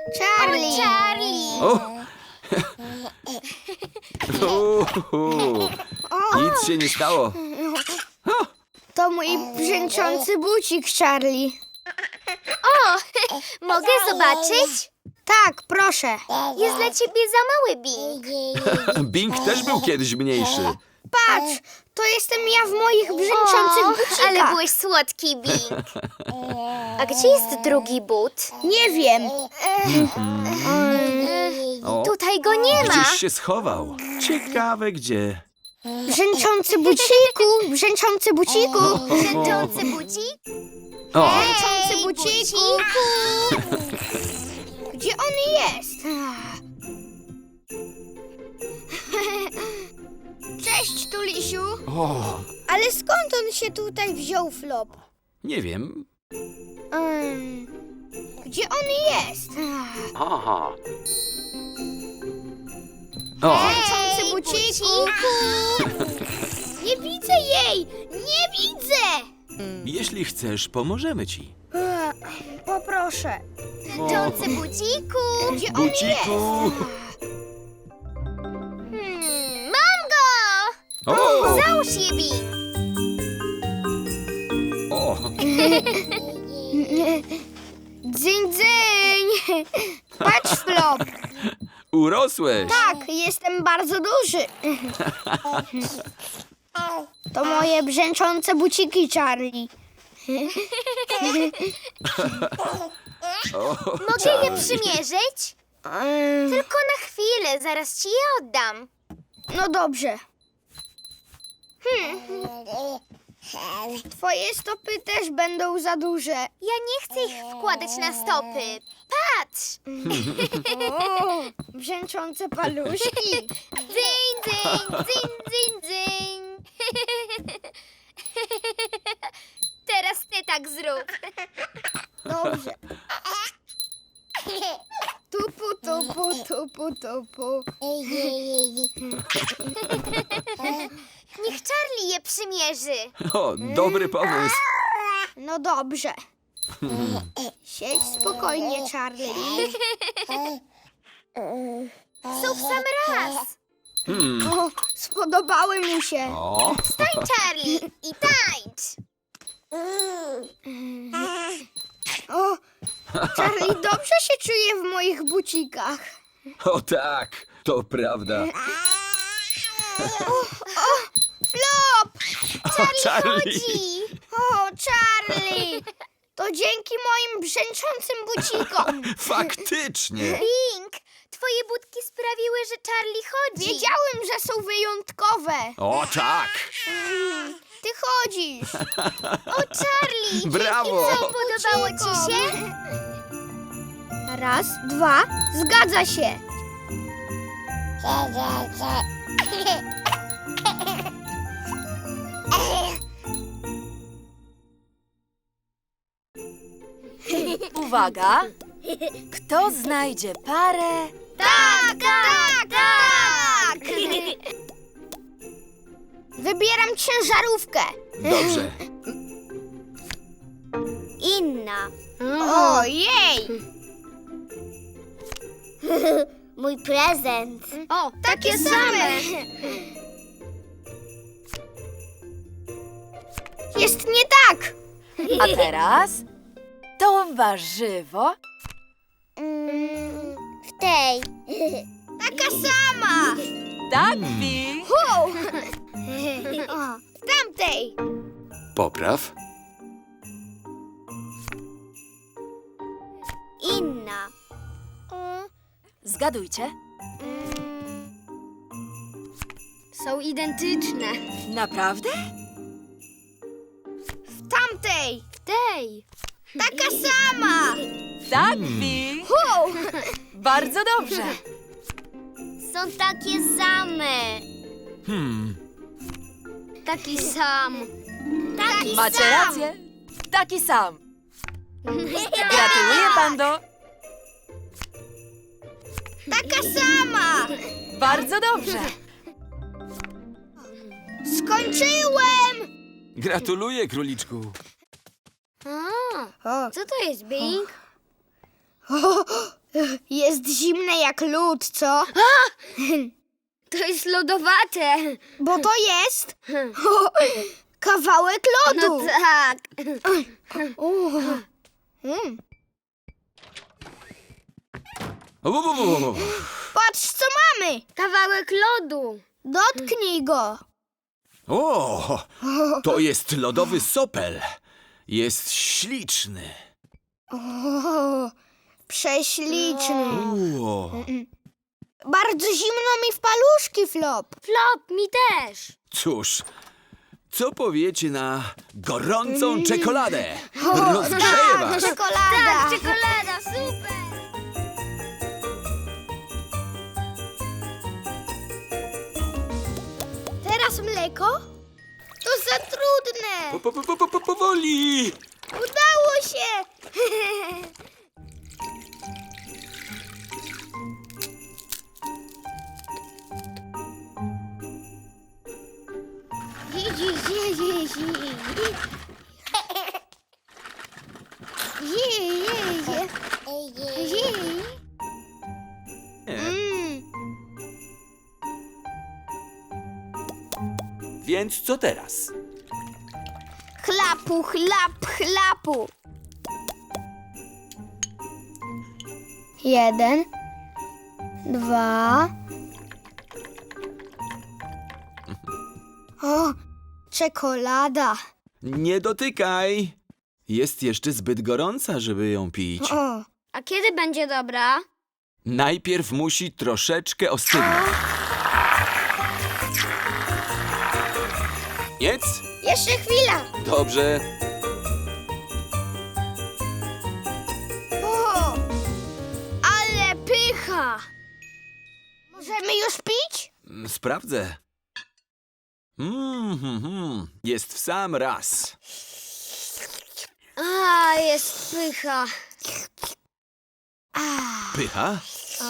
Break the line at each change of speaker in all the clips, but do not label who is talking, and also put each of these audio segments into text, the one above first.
Charlie!
Charlie!
O! Nic się nie stało.
To mój brzęczący bucik, Charlie.
O, mogę zobaczyć?
Tak, proszę.
Jest dla ciebie za mały, Bing.
Bing też był kiedyś mniejszy.
Patrz, to jestem ja w moich brzęczących bucikach.
Ale byłeś słodki, Bing. A gdzie jest drugi but?
Nie wiem.
O,
Tutaj go nie ma.
gdzieś się schował. Ciekawe gdzie.
Brzęczący buciku, brzęczący buciku.
Brzęczący budzik?
O,
Brzęczący buciku. Gdzie on jest? Cześć, Tulisiu.
o,
Ale skąd on się tutaj wziął, Flop?
nie wiem.
Gdzie on jest?
Aha. O,
Brzęczący buciku. Nie widzę jej! Nie widzę!
jeśli chcesz, pomożemy ci.
Poproszę.
Brzęczący budziku.
Gdzie on jest?
Buciku.
Mam go!
O,
Załóż je, Bing.
o,
Dzyń, dzyń! Patrz, Flop!
urosłeś.
Tak, jestem bardzo duży. To moje brzęczące buciki, Charlie.
O,
Mogę je przymierzyć? Tylko na chwilę, zaraz ci je oddam.
No dobrze. Twoje stopy też będą za duże.
Ja nie chcę ich wkładać na stopy. Patrz!
O, brzęczące paluszki.
Dzyń, dzyń, dzyń, dzyń, dzyń. Teraz ty tak zrób.
Dobrze. Tupu, tupu, tupu, tupu.
Niech Charlie je przymierzy.
o, dobry pomysł.
No dobrze. Siedź spokojnie, Charlie.
Są w sam raz.
O, spodobały mu się.
O,
Stań, Charlie, i tańcz.
O, Charlie dobrze się czuje w moich bucikach.
o tak, to prawda.
Flop!
O, Charlie.
Chodzi.
O, Charlie! To dzięki moim brzęczącym bucikom.
Faktycznie.
Bing, twoje budki sprawiły, że Charlie chodzi.
Wiedziałem, że są wyjątkowe.
O tak.
Ty chodzisz.
O, Charlie!
Brawo.
I co, podobało ci się?
Raz, dwa, zgadza się.
Uwaga! Kto znajdzie parę?
Tak, tak, tak!
Wybieram ciężarówkę.
Dobrze.
Inna.
Ojej!
Mój prezent.
O, takie same. Jest nie tak.
A teraz to warzywo.
W tej.
Taka sama.
Tak, Bing.
O, w tamtej.
Popraw.
Inna.
Zgadujcie.
Są identyczne.
Naprawdę?
W tamtej.
W tej.
Taka sama.
Tak, Bing. Bardzo dobrze.
Są takie same.
Taki sam.
Taki
Macie
sam.
rację. Taki sam. Gratuluję, Pando.
Taka sama.
Bardzo dobrze.
Skończyłem.
Gratuluję, króliczku.
Co to jest, Bing? Jest zimne jak lód, co?
To jest lodowate.
Bo to jest kawałek
No
lodu.
tak.
Patrz, co mamy.
Kawałek lodu.
Dotknij go.
O, to jest lodowy sopel. Jest śliczny.
O, prześliczny.
O,
Bardzo zimno mi w paluszki, Flop.
Flop, mi też.
cóż, co powiecie na gorącą czekoladę? Rozgrzeje was.
Czekolada.
Tak, czekolada, super.
Teraz mleko? To za trudne.
Powoli.
Udało się.
Więc co teraz?
Chlapu, chlap, chlapu. 1, 2. O, czekolada.
Nie dotykaj. Jest jeszcze zbyt gorąca, żeby ją pić.
O,
A kiedy będzie dobra?
Najpierw musi troszeczkę ostygnąć. Nic?
jeszcze chwila.
Dobrze.
O, ale pycha. Możemy już pić?
Sprawdzę. Jest w sam raz.
A, jest pycha.
Pycha?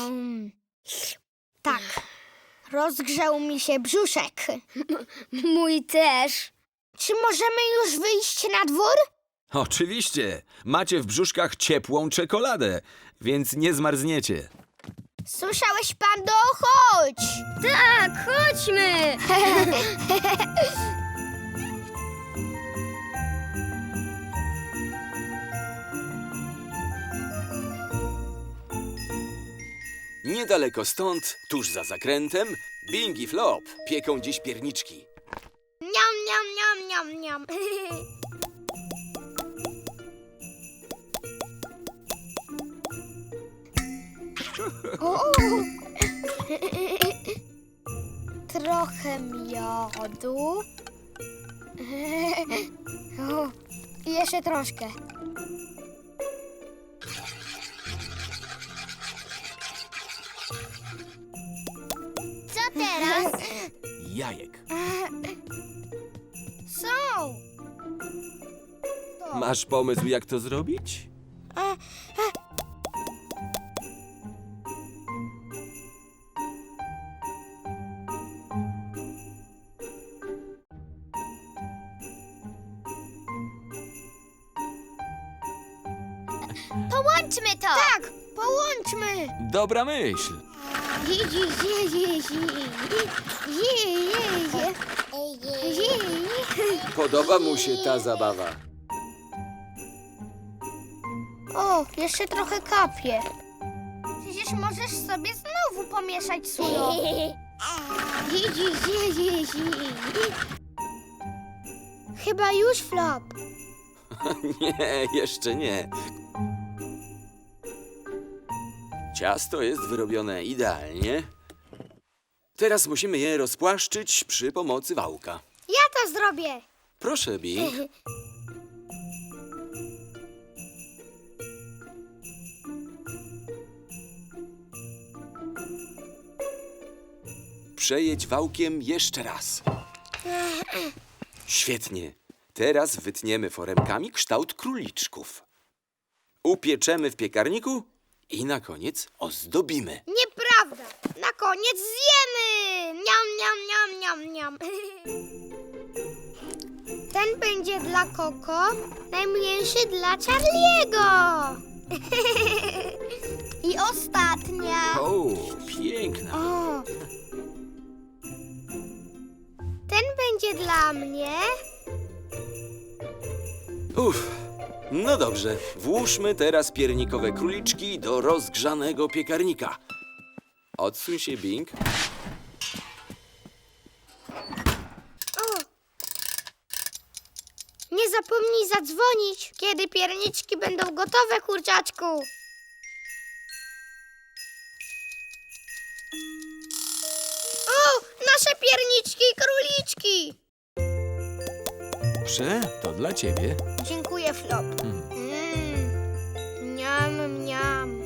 Tak. Rozgrzał mi się brzuszek.
Mój też.
Czy możemy już wyjść na dwór?
Oczywiście. Macie w brzuszkach ciepłą czekoladę, więc nie zmarzniecie.
Słyszałeś, Pando? Chodź!
Tak, chodźmy.
Niedaleko stąd, tuż za zakrętem, Bing i Flop pieką dziś pierniczki.
Niam, niam, niam, niam, niam. O. Trochę miodu. O, i jeszcze troszkę.
Co teraz?
Jajek.
Są.
Masz pomysł, jak to zrobić?
Połączmy to.
Tak, połączmy.
Dobra myśl. Podoba mu się ta zabawa.
O, jeszcze trochę kapie. Przecież możesz sobie znowu pomieszać sólą. Chyba już, Flop.
Nie, jeszcze nie. Ciasto jest wyrobione idealnie. Teraz musimy je rozpłaszczyć przy pomocy wałka.
Ja to zrobię.
Proszę, Bing. Przejedź wałkiem jeszcze raz. Świetnie. Teraz wytniemy foremkami kształt króliczków. Upieczemy w piekarniku i na koniec ozdobimy.
Nieprawda. Na koniec zjemy. Niam, niam, niam, niam, niam. Ten będzie dla Koko, najmniejszy dla Charliego. I ostatnia.
O, piękna.
O. Ten będzie dla mnie.
Uff. No dobrze, włóżmy teraz piernikowe króliczki do rozgrzanego piekarnika. Odsuń się, Bing.
O. Nie zapomnij zadzwonić, kiedy pierniczki będą gotowe, kurczaczku. O, nasze pierniczki i króliczki.
Prze, to dla ciebie.
Dziękuję, Flop. Mniam, mniam.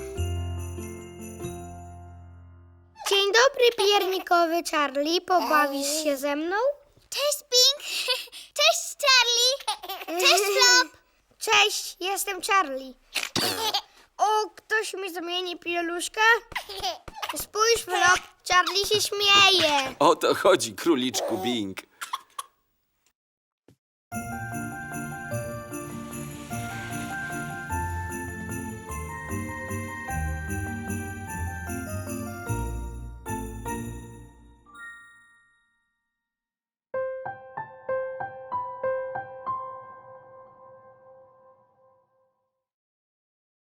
Dzień dobry, piernikowy Charlie. Pobawisz się ze mną?
Cześć, Pink. Cześć, Charlie. Cześć, Flop.
Cześć, jestem Charlie. O, ktoś mi zamieni pieluszkę? Spójrz, Flop, Charlie się śmieje.
O to chodzi, króliczku Bing.